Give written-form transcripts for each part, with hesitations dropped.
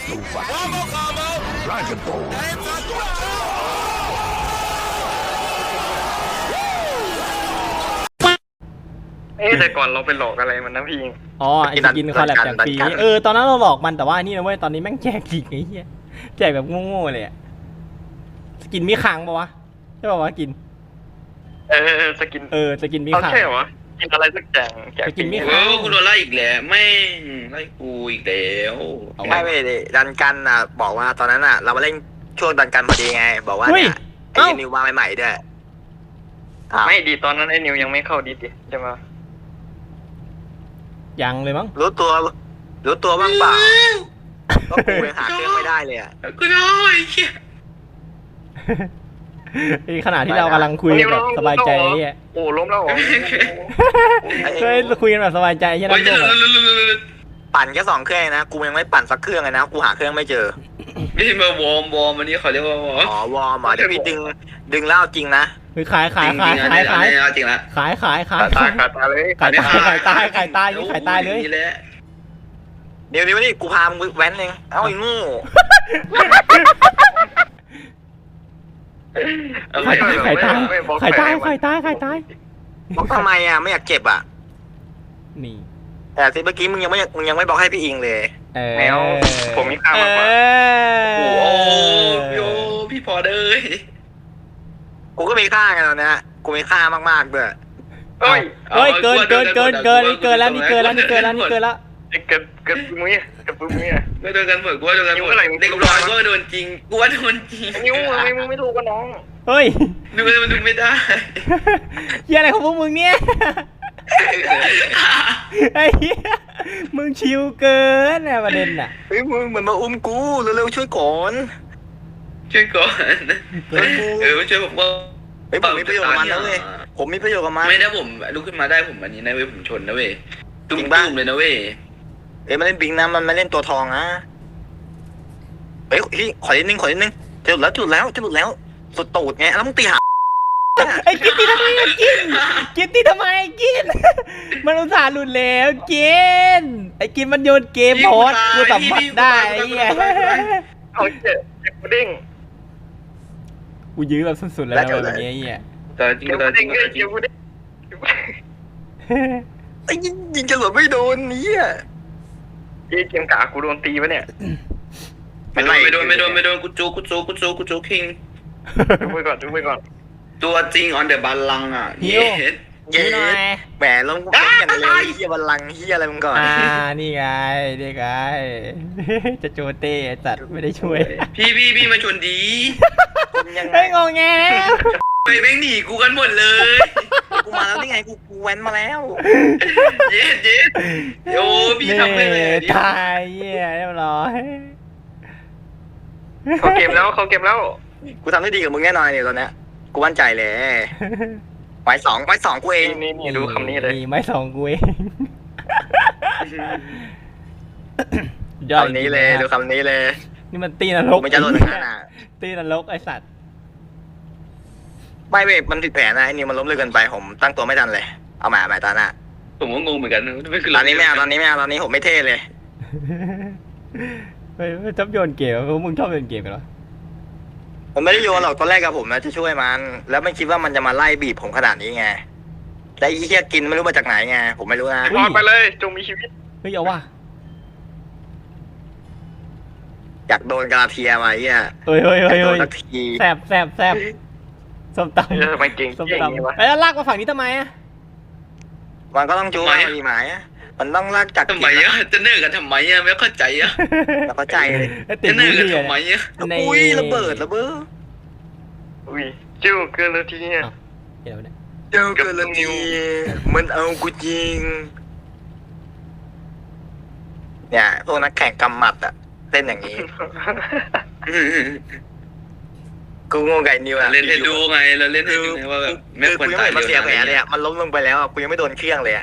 แต่ก่อนเราไปหลอกอะไรมันนะพี่อ๋อไอ้สกินคอลแลบแจกฟรีตอนนั้นเราหลอกมันแต่ว่านี่นะเว้ยตอนนี้แม่งแจกจริงไอ้เหี้ยแจกแบบโง่ๆเลยอะสกินมีขังปะวะใช่ปะวะกินสกินสกินมีขังใช่เหรอกินอะไรสักอย่างสกินมีขังกูโดนไล่อีกแล้วไม่ไล่กูอีกแล้วไม่ดันกันอ่ะบอกว่าตอนนั้นอ่ะเรามาเล่นช่วงดันกันพอดีไงบอกว่าเนี่ยไอ้นิวมาใหม่ๆด้วยไม่ดีตอนนั้นไอ้นิวยังไม่เข้าดีใช่ไหมยังเลยมั้งรู้ตัวบ้างเปล่าก็กูยังหาเครื่องไม่ได้เลยอ่ะกูน้อยในขณะที่เรากำลังคุยแบบสบายใจเนี่ยโอ้ล้มแล้วเหรอเฮ้ยคุยกันแบบสบายใจใช่ไหมปั่นแค่2 เครื่องนะกูยังไม่ปั่นสักเครื่องเลยนะกูหาเครื่องไม่เจอไม่ใช่มาวอร์มอันนี้เขาเรียกว่าวอร์มวอร์มเดี๋ยวพี่ดึงเล่าจริงนะคือขายจริงละขายตายเลยขายตายขายตายเลยเดี๋ยวนี่กูพามึงแว้นเองเอ้าไอ้งูขายตายบอกทำไมอ่ะไม่อยากเจ็บอ่ะนี่แต่ทีเมื่อกี้มึงยังไม่บอกให้พี่อิงเลยแมวผมมีค่ามากกว่าโอ้โยพี่พอเลยกูก็มีค่าไงตอนนี้กูมีค่ามากๆด้วยเฮ้ยเกินแล้วนี่เกินแล้วเกิดปุ้ยไม่โดนกันหมดกูว่าโดนกันหมดเด็กร้อยก็โดนจริงกูว่าโดนจริงนิ้วทำไมมึงไม่ถูกกับน้องเฮ้ยดูมันดูไม่ได้เฮียอะไรของพวกมึงเนี่ยไอ้เหี้ยมึงชิวเกินนะประเด็นน่ะเฮ้ยมึงเหมือนมาอุ้มกูเร็วๆช่วยก่อนช่วยผมว่าผมมีประโยชน์กับมันนะเว้ยผมมีประโยชน์กับมันไม่ได้ผมลุกขึ้นมาได้ผมอันนี้นะเว้ยผมชนนะเว้ยตุ้มเลยนะเว้ยมันเล่นบิงนะมันไม่เล่นตัวทองนะเฮ้ยขอนิดนึงจะหลุดแล้วสุดตูดไงแล้วมึงตีหาไอ้กินตีทำไมกินมันอุตส่าห์หลุดแล้วกินไอ้กินมันโยนเกมโพสกูสัมผัสได้ไอ้เหี้ยเอาเจ็บกูเด้งกูยื้อแบบสุดๆแล้วแบบนี้ไอ้เหี้ยแต่จริงไอ้ยิงจะหลุดไม่โดนเนี่ยเกมกากูโดนตีปะเนี่ยไม่โดนกูจูคิงดูไปก่อนตัวจริงออนเดอะบัลลังอ่ะเย้แหมลงอย่างเลยเฮียบัลลังเฮียอะไรมึงก่อนนี่ไงจะโจเต้จัดไม่ได้ช่วยพี่มาชนดีไม่งงแงไปแม่งหนีกูกันหมดเลยกูมาแล้วนี่ไงกูแว้นมาแล้วเย็ดโอ้พี่ทำไปเลยตายเหี้ยเรียบร้อยเขาเกมแล้วกูทำได้ดีกับมึงแน่นอนเนี่ยตอนเนี้ยกูมั่นใจเลยไม้สองกูเองนี่ดูคำนี้เลยไม้2กูเองคำนี้เลยดูคำนี้เลยนี่มันตีนรกมันจะโดนงานอ่ะตีนรกไอสัตว์ไม่เว้ยมันผิดแผนนะไอ้นี่มันล้มเลิกเกินไปผมตั้งตัวไม่ทันเลยเอาใหม่ตาหน้าผมก็งงเหมือนกันตอนนี้ไม่เอาตอนนี้ผมไม่เท่เลยไม่ชอบโยนเกมเพราะมึงชอบโยนเกมกันหรอผมไม่ได้โยนหรอกตอนแรกกับผมนะจะช่วยมันแล้วไม่คิดว่ามันจะมาไล่บีบผมขนาดนี้ไงแต่ไอ้เหี้ยกินไม่รู้มาจากไหนไงผมไม่รู้นะพอไปเลยจงมีชีวิตเฮ้ยเอาว่ะอยากโดนกาเทียมาเหี้ยเฮ้ยแสบส้มตำมันเก่งส้มตำแล้วลากมาฝั่งนี้ทำไมอ่ะมันก็ต้องจู้มีหมายมันต้องลากจากทำไมอ่ะจะเนิ่กันทำไมอ่ะไม่เข้าใจอ่ะไม่เข้าใจเลยจะเนิ่กันทำไมอ่ะอุ้ยระเบิดอุ้ยเจ้าเกินทีเนี่ยเจ้าเกินทีมันเอากูจริงเนี่ยพวกนักแข่งกำหมัดอ่ะเต้นอย่างนี้กูงงไก่นิวอะเล่นให้ดูไงเราเล่นให้ดูไงว่าแบบไม่ควรตายเสียแผลเลยอะมันล้มลงไปแล้วกูยังไม่โดนเครื่องเลยอะ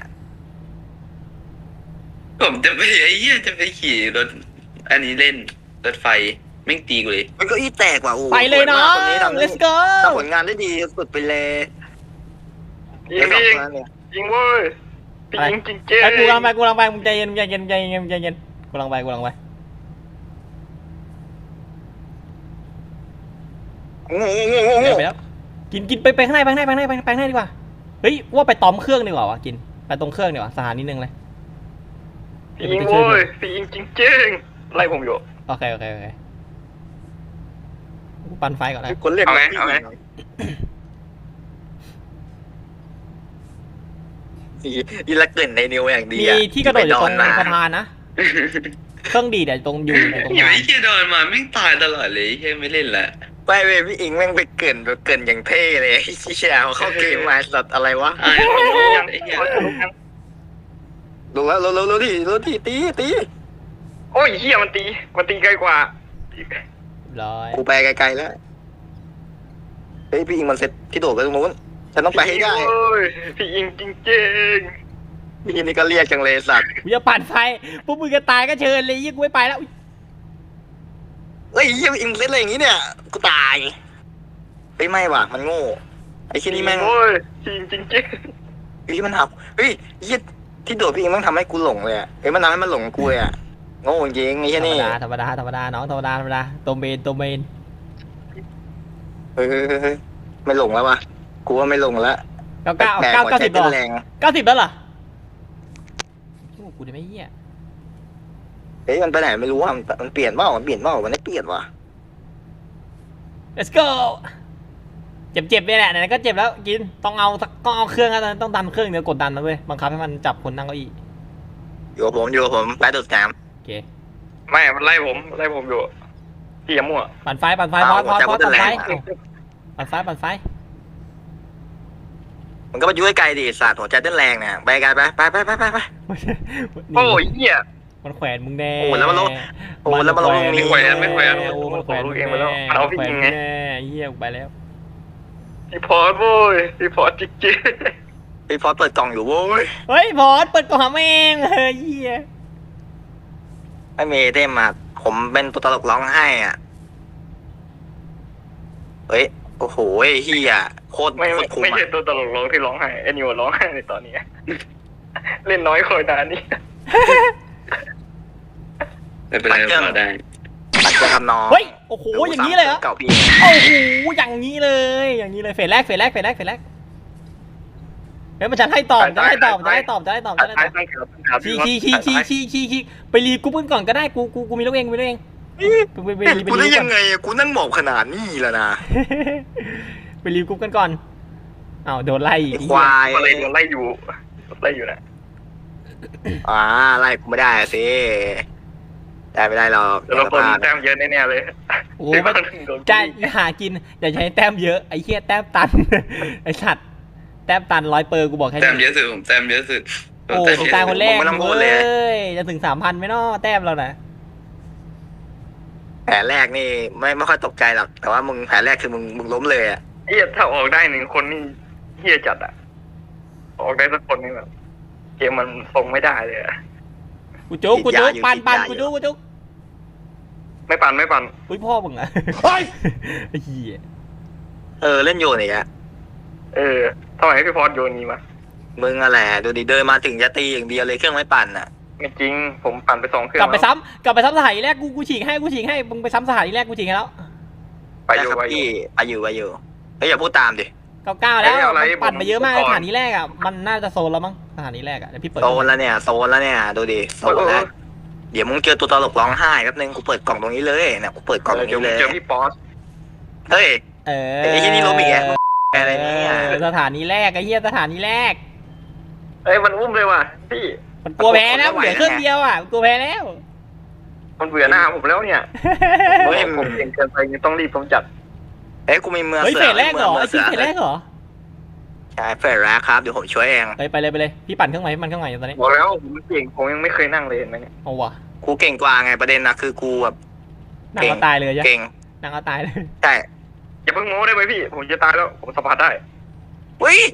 ผมจะไปไอ้เหี้ยจะไปขี่รถอันนี้เล่นรถไฟไม่ตีกูเลยมันก็อีแตกว่ะโอ้ไปเลยเนาะ let's go ถ้าผลงานได้ดีสุดไปเลยยิงเว้ยยิงจริงเจ๊กูลังไปมึงใจเย็นกูลังไปงูไปแล้วกินไปข้างในไปข้างในไปข้างในไปข้างในดีกว่าเฮ้ยว่าไปตอมเครื่องดีกว่าวะกินไปตรงเครื่องดีกว่าสถานีนึงเลยพี่อิงโว้ยพี่อิงจริงๆไล่ผมอยู่โอเคกูปั่นไฟก่อนนะคนเรียกเอาไงอีละเกินในนิวอย่างดีมีอะที่กระโดดอยู่ตรงมาสะพานนะเครื่องดีดตรงอยู่ตรงอย่านั้ไปนเที่ยโดนมาไม่ตายตลอดเลยแค่ไม่เล่นละไปเว้ยพี่อิงแม่งไปเกินอย่างเท่เลยไอ้เชี่ยเข้าเกมมาสัตว์อะไรวะไอ้ยังไอ้เหี้ยดูแล้วรู้ที่ตีโอ้ยเฮียมันตีไกลกว่าร้อยกูไปไกลๆแล้วเฮ้ยพี่อิงมันเซ็ตที่โดดไปตรงนู้นฉันต้องไปให้ได้โอ้ยพี่อิงจริงพี่อิงนี่ก็เรียกจังเลยสัตว์กูจะปั่นไฟพวกมึงจะตายก็เชิญเลยยี่กูไม่ไปแล้วเฮ้ยพี่อิงเซ็ตอะไรอย่างงี้เนี่ยกูตายเฮ้ยไม่ว่ะมันโง่ไอ้ๆที่นี่แม่งโอ้ยพี่อิงจริงเฮ้ยมันหักเฮ้ยยี่ที่โดดพี่อิงแม่งทำให้กูหลงเลยอะเฮ้ยมันทำให้มันหลงกูเลยอะโง่จริงไอ้ธเชี่ยรรมนี่ดาธรรมดาน้องธรรมดาตัวเมนเฮ้ยไม่หลงแล้ววะกูว่าไม่หลงแล้วเก้าแปลกเก้าหัวใจ 90 เต้แล้วนแรง 90แล้วเหรอโอ้กูจะไม่เหี้ยเฮ้ยมันไปไหนไม่รู้ว่ามันเปลี่ยนเปล่ามันไม่เปลี่ยนว่ะ let's go เจ็บเนี่ยแหละไหนๆก็เจ็บแล้วกินต้องเอาเครื่องนะต้องดันเครื่องเดี๋ยวกดดันนะเว้ยบังคับให้มันจับคนนั่งเก้าอี้อยู่กับผมไปดูดน้โอเคๆไม่มันไล่ผมอยู่พี่อย่ามั่วปั่นไฟพอปั่นไฟปั่นไฟำมันก็ไปยุ่ยไกลดิสัตว์หัวใจเต้นแรงเนี่ยไปไกลไปโอ้ยเฮียมันแขวนมึงแน่โอ้แล้วมันลงโอ้แล้วมันลงตรงนี้ไม่แขวนมันแขวนผมรู้เองไปแล้วมันเอาพี่ยิงไงแน่เหี้ยไปแล้วพี่พอดโว้ยพี่พอดจริงพี่พอเปิดกล่องอยู่โว้ยเฮ้ยพอดเปิดกล่องหาแม่งเฮ้ยเหี้ยไม่มีเต้มมาผมเป็นตัวตลกร้องไห้อ่ะเฮ้ยโอ้โหเฮียโคตรๆไม่คุ้มใช่อ่ะตัวตลกร้องที่ร้องไห้ไอ้นิวร้องไห้ในตอนนี้ เล่นน้อยคอยนานนี่ไม่เป็นไรเราได้ปัดจะทำน้องเฮ้ยโอ้โหอย่างนี้เลยเหรอเก่าพี่โอ้โหอย่างนี้เลยเฟสแรกเฮ้ยมันจะให้ตอบชี้ไปรีกรุ๊ปกันก่อนก็ได้กูมีลูกเองไปกูได้ยังไงกูนั่งหมอบขนาดนี้แล้วนะไปรีกรุ๊ปกันก่อนอ้าวโดนไล่อีกควายอะไรไล่อยู่นะไล่กูไม่ได้สิได้ไม่ได้หรอกแต่เราคนแต้มเยอะแน่ๆเลยโอ้จะหากินอย่าใช้แต้มเยอะไอ้เหี้ยแต้มตันไอ้สัตว์แต้มตัน100 เปอร์กูบอกแค่แต้มเยนี้อะสุดผมแต้มเยอะสุดโอ้ตายคนแรกเลยจะถึง 3,000ไหมเนาะแต้มเรานะแผลแรกนี่ไม่ค่อยตกใจหรอกแต่ว่ามึงแผลแรกคือมึงล้มเลยอ่ะเฮียถ้าออกได้1 คนนี่เฮียจัดอ่ะออกได้สักคนนี่แบบเกมมันทรงไม่ได้เลยอะกูจุกปันกูจุกไม่ปั่นอุ้ยพ่อมึงอะไอ้เหี้ยเล่นโยนอีกอะทำไมพี่พอดโยนนี้มามึงอะไรดูดิเดินมาถึงจะตีอย่างเดียวเลยเครื่องไม่ปั่นอ่ะไม่จริงผมปั่นไป2 เครื่องกลับไปซ้ำสถานีแรกกูฉีกให้มึงไปซ้ำสถานีแรกกูฉีกให้แล้วไปอยู่ครับพี่ไปอยู่เฮ้ยอย่าพูดตามดิ 9แล้วปั่นไปเยอะมากสถานีแรกอ่ะมันน่าจะโซนแล้วมั้งสถานีแรกอ่ะเดี๋ยวพี่เปิดโซนแล้วเนี่ยดูดิโซนแล้วเดี๋ยวมึงเจอตัวตลกร้องไห้แป๊บนึงกูเปิดกล่องตรงนี้เลยเนี่ยกูเปิดกล่องตรงนี้เลยเจอพี่ป๊อสเฮ้ยไอ้ที่นี่ล้มอีกแล้วอะไรเนี่ยสถานีแรกไอ้เหี้ยสถานีแรกมันอุ้มเลยว่ะพี่มันกลัวแพ้แล้วเหลือเครื่องเดียวอ่ะกลัวแพ้แล้วมันเบื่อหน้าผมแล้วเนี่ยผมเก่งเกินไปต้องรีบต้องจัดกูมีเมืองเฮ้ยเสืเฟสแรกเหรอไอ้ที่เฟสแรกเหรอใช่เฟสแรกครับเดี๋ยวผมช่วยเองไปเลยพี่ปั่นเครื่องใหม่ตอนนี้บอกแล้วผมเก่งผมยังไม่เคยนั่งเลยเห็นไหมเนี่ยเอาวะกูเก่งกว่าไงประเด็นนะคือกูแบบนั่งเอาตายเลยจ้ะเก่งนั่งเอาตายเลยใช่อย่าเพิ่งโม้ได้ไหมพี่ผมจะตายแล้วผมสัมผัสได้อุ้ย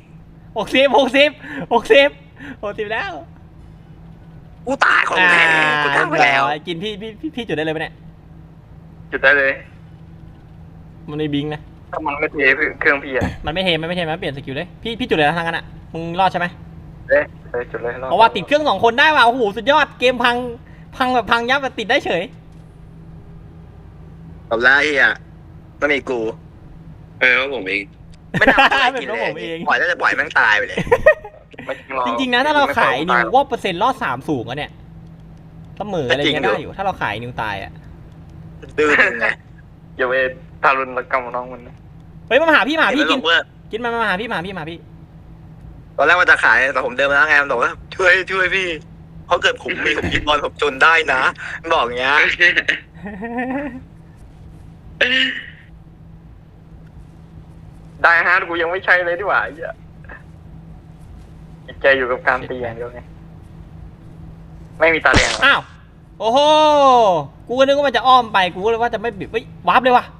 60แล้วกูตายของแท้กูทำไปแล้วกินพี่จุดได้เลยปะเนี่ยจุดได้เลยมันไม่บิงนะถ้ามันไม่เทเครื่องพี่อะมันไม่เทมันเปลี่ยนสกิลเลยพี่จุดเลยนะทางนั้นอ่ะมึงรอดใช่ไหมจุดเลยเพราะว่าติดเครื่อง2 คนได้ว่ะโอ้โหสุดยอดเกมพังแบบพังยับติดได้เฉยจบแล้วไอ้เหี้ยไม่มีกูว่าผมเองไม่น่าเอาไปกินเป็นเพราะผมเลเองยปล่อยแล้วจะปล่อยแม่งตายไปเลยไม่หอกจริงๆนะถ้าเราขายนิวไม่ว่าเปอร์เซ็นต์รอด3สูงอะเนี่ยเสมออะไรเงี้ยจริงอยู่ได้อยู่ ถ้าเราขายนิวตายอะดื้อจริงไงอย่าไปทารุณกรรมน้องมันนะเฮ้ยมาหาพี่กินเห็นไหมบอกว่ากินมาหาพี่มาหาพี่ตอนแรกว่าจะขายแต่ผมเดินมาแล้วไงมันบอกว่าช่วยพี่เพราะเกิดผมมีผมกินบอลผมจนได้นะมันบอกอย่างเงี้ยได้ฮาร์ดกูยังไม่ใช่เลยดีกว่าไอ้เหี้ยจิตใจอยู่กับการตีอย่างเดียวไงไม่มีตาแดงหรอกอ้าวโอ้โหกูก็นึกว่ามันจะอ้อมไปกูก็เลยว่าจะไม่บิดเฮ้ยวาร์ปเลยว่ะ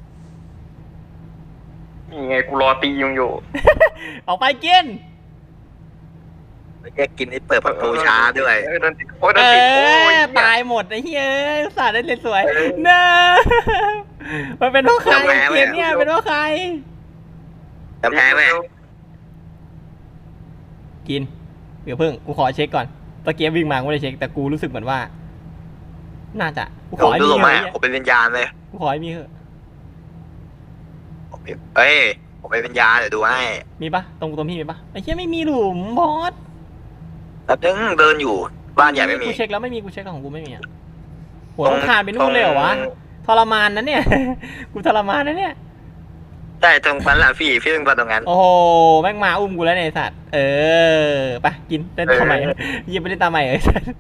นี่ไงกูรอตียุงอยู่ออกไปกินแยกกินไอ้เปิดประตูช้าด้วยโดนติดโอ้ยโดเอนติดโอ้ยอเหี้ยตายหมดไอ้เฮ้ยอุตส่าห์ได้เล่นสวยเนอะมันเป็นเพราะใครเกมเนี่ยเป็นเพราะใครแต่แพ้ไหมกินเดี๋ยวเพิ่งกูขอเช็คก่อนตะเกียบวิ่งมากูไม่ได้เช็คแต่กูรู้สึกเหมือนว่า น่าจะกูขผอมให้ดูมีลงเถมาอะผมเป็นวิญญาณเลยกูขอให้มีเถอะเอ้ยผมเป็นวิญญาณเดี๋ยวดูให้มีปะตรงพี่มีปะไอ้เหี้ยไม่มีหลุมบอสแล้วนึงเดินอยู่บ้านใหญ่ไม่มีกูเช็คแล้วไม่มีกูเช็คของกูไม่มีอ่ะโหต้องคานไปนู่นเลยเหรอวะทรมานนะเนี่ย กูทรมานนะเนี่ยใช่ตรงนั้นแหละพี่ต้องไปตรงนั้นโอ้โหแม่งมาอุ้มกูแล้วเนี่ยไอ้สัตว์ไปกินเล่นทำไมยิงไปเล่นตามใหม่ไอ้สัตว์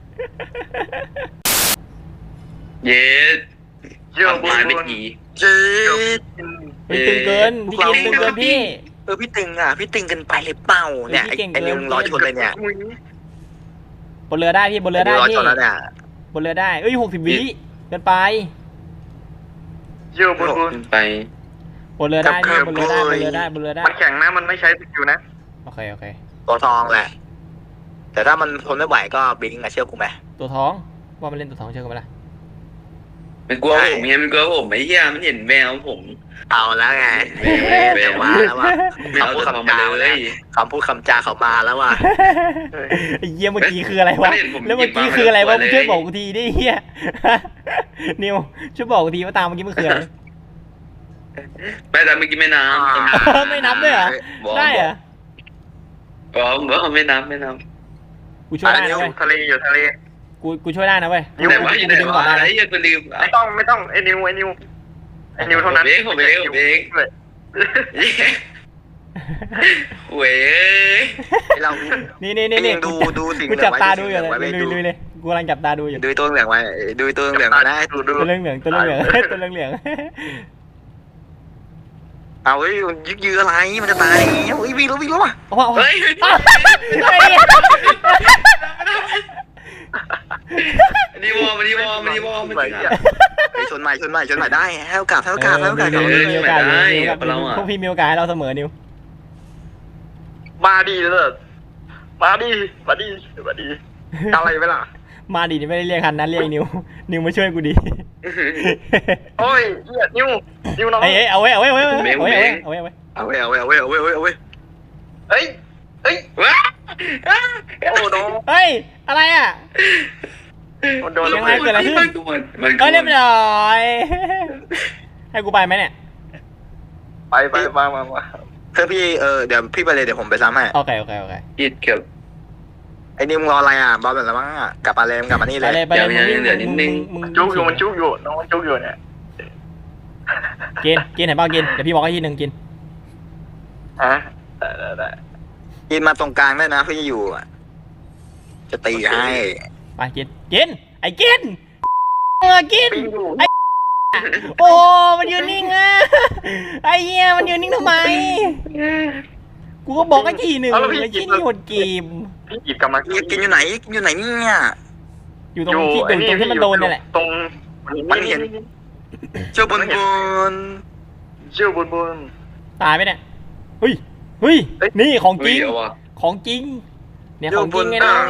เย็ดเชื่อบุมาญไม่บุญกี่เจ๊ดเฮ้ยตึงเกินพี่กินตึงเกินพี่พี่ตึงอ่ะพี่ตึงกันไปเลยเปล่าเนี่ยพี่เก่งไอ้นิวเกินรอชนเลยเนี่ยบนเรือได้พี่บนเรือได้รอพี่ชนแล้วเนี่ยบนเรือได้เอ้ย60 วิเกินไปเชื่อบุญบุญขึ้นไปบนเรือได้พี่บนเรือได้บนเรือได้บนเรือได้มันแข็งนะมันไม่ใช้สกิลนะโอเคตัวทองแหละ แต่ถ้ามันทนไม่ไหวก็บิงอะเชื่อกูไหมตัวท้องว่ามันเล่นตัวท้องเชื่อกันไหมล่ะมันกลัวผมไงมันกลัวผมไอ้เหี้ยมันเห็นแววผมเอาแล้วไงแววมาแล้วว่ะไม่เอาตัวทองมาเลยคำพูดคำจาเขามาแล้วว่ะไอ้เหี้ยเมื่อกี้คืออะไรวะแล้วเมื่อกี้คืออะไรวะมึงช่วยบอกกูทีดิเหี้ย นิวช่วยบอกกูทีว่าตามเมื่อกี้มันคืออะไรไม่แต่เมื่อกี้ไม่น้ำไม่นับด้วยเหรอได้เหรอบอกไม่น้ำกูช่วยได้นะเว้ยทะเลอยู่ทะเลกูช่วยได้นะเว้ยแต่ว่าอยู่ไหนดึงก่อวะนได้ไอ้นะเหี้ยกูลืมไม่ต้องไอ้นิวเท่านั้นผมเองเว้ยเรานี่ยังดูสิ่งกูจับตาดูอยู่ไว้เลยดูดูเลยกูกำลังจับตาดูอยู่ดูตัวเหลืองไว้ดูตัวเหลืองไว้นะดูตัวเรื่องเหลืองตัวเรื่องเหลืองตัวเรื่องเหลืองเอาเฮ้ยยึกยืออะไรมันจะตายเฮ้ยวิ่งแล้วว่ะโอ้โหเฮ้ย นี่วอมันนี่วอมันนี่วอมันชนใหม่ได้ให้โอกาสให้โอกาสมีโอกาสพวกพี่มีโอกาสให้เราเสมอนิวมาดีเลยมาดีอะไรไปล่ะมาดิไม่ได้เรียกคันนั้นเรียกนิวมาช่วยกูดิโอ้ยเหี้ยนิวน้องเอ้ยเอาไว้เฮ้ยว้าโอ้น้องเฮ้ยอะไรอ่ะโดนยังไงเกิดอะไรขึ้นมันก็เรียบร้อยให้กูไปไหมเนี่ยไปมาเพื่อนพี่เดี๋ยวพี่ไปเลยเดี๋ยวผมไปซ้ำให้โอเคอิดเกือบไอ้นิวรออะไรอ่ะบอลแบบแล้วมั้งอ่ะกลับมาเลยกลับมานี่เลยไปเลยมึงจุกอยู่มันจุกอยู่น้องมันจุกอยู่เนี่ยกินไหนบ้างกินเดี๋ยวพี่บอกให้ทีหนึ่งกินฮะได้กินมาตรงกลางได้นะพี่อยู่จะตีให้ไปกินไอ้กินกินปิ้งอยู่โอ้มันยืนนิ่งอ่ะไอ้เหี้ยมันยืนนิ่งทำไมกูก็บอกไอ้ทีหนึ่งไอ้ที่นี่หดกีบพี่หยิบกลับมากินอยู่ไหนเนี่ยอยู่ตรงที่มันโดนนี่แหละตรงมันเห็นเจ้าบนเชื่อบุญตายไหมเนี่ยเฮ้ยนี่ของจริงเอาว่ะของจริงเนี่ยของจริงไงนะ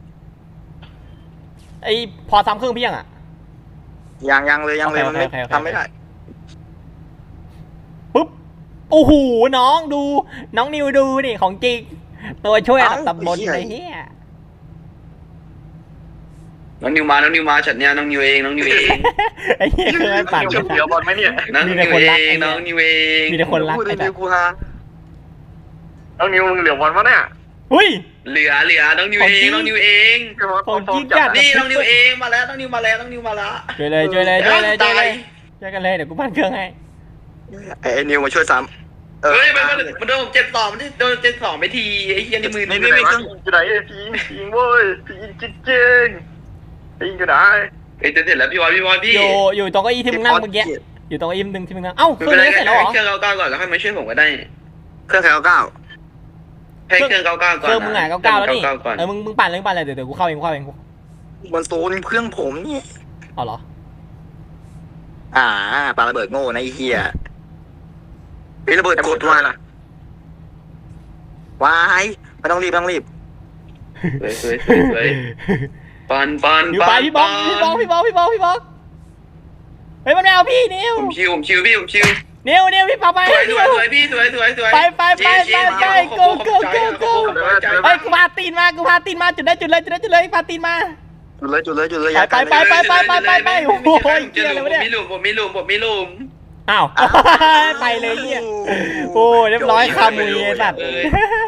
ไอพอซ้ำเครื่องเพียงอ่ะยังเลยมันไม่ทำไม่ได้ปุ๊บโอ้โหน้องดูน้องนิวดูนี่ของจริงตัวช่วยอันดับตำบลไอ้เหี้ยน้องนิวมาฉันเนี่ยน้องนิวเองไอ้เหี้ยคือไม่ปั่นเดี๋ยวบอลไหมเนี่ยน้องมีนิแต่วคนรักเองไอ้เนี่ยน้องนิวเองมีแต่คนรักพูดไอ้เร็แต่วๆกูฮะน้องนิวมึงเหลือบอลปะเนี่ยอุ้ยเหลือน้องนิวของเอจริงงน้องนิวเองของจริงจัดนี่น้องนิวเองมาแล้วน้องนิวมาแล้วช่วยเลยช่วยกันเลยตายช่วยกันเลยเดี๋ยวกูปั่นเครื่องให้ไอ้นิวมาช่วยซ้ำเฮ้ยมันโดนผม7-2มันโดน7-2ไปทีไอ้เหี้ยในมือไม่อยู่ไหนวะอยู่ไหนพียิงเว้ยพียิงจริงพียิงอยู่ไหนเอ้ยจะเสร็จแล้วพี่บอยพี่อยู่ตรงเก้าอี้ที่มึงนั่งเมื่อกี้อยู่ตรงเก้าอี้ที่มึงนั่งเอ้าเคไม่รื่องเป็นไรนี้เสร็จแล้วเหรอเครื่อง99ก่อนแล้วค่อยมาช่วยผมก็ได้เครื่องใครเอาก้าวให้เครื่อง99ก่อนเครื่องมึงอ่ะ99แล้วนี่ก่อนมึงปั่นเลยเดี๋ยวกูเข้าเองมันโซนเครื่องผมนี่เอาเหรอปาระเบิดโง่นะไอ้เหี้ยไอ้ระเบิดแต่กกดดว่าว่าล่ะวายไม่ต้องรีบสวยปันอยู่ไปพี่บอกเฮ้ยมันไม่เอาพี่นิวผมชิวพี่นิวพี่เป่าไปสวยพี่สวยไปเฮ้ยกูพาตีนมาจุดเลยพาตีนมาจุดเลยไปโอ้โหเกี่ยอะไรวะเนี่ยผมมีหลุมอ้าวไปเลยเนี่ยโอ้เรียบร้อยคามุยไอ้สัตว์เอ้ย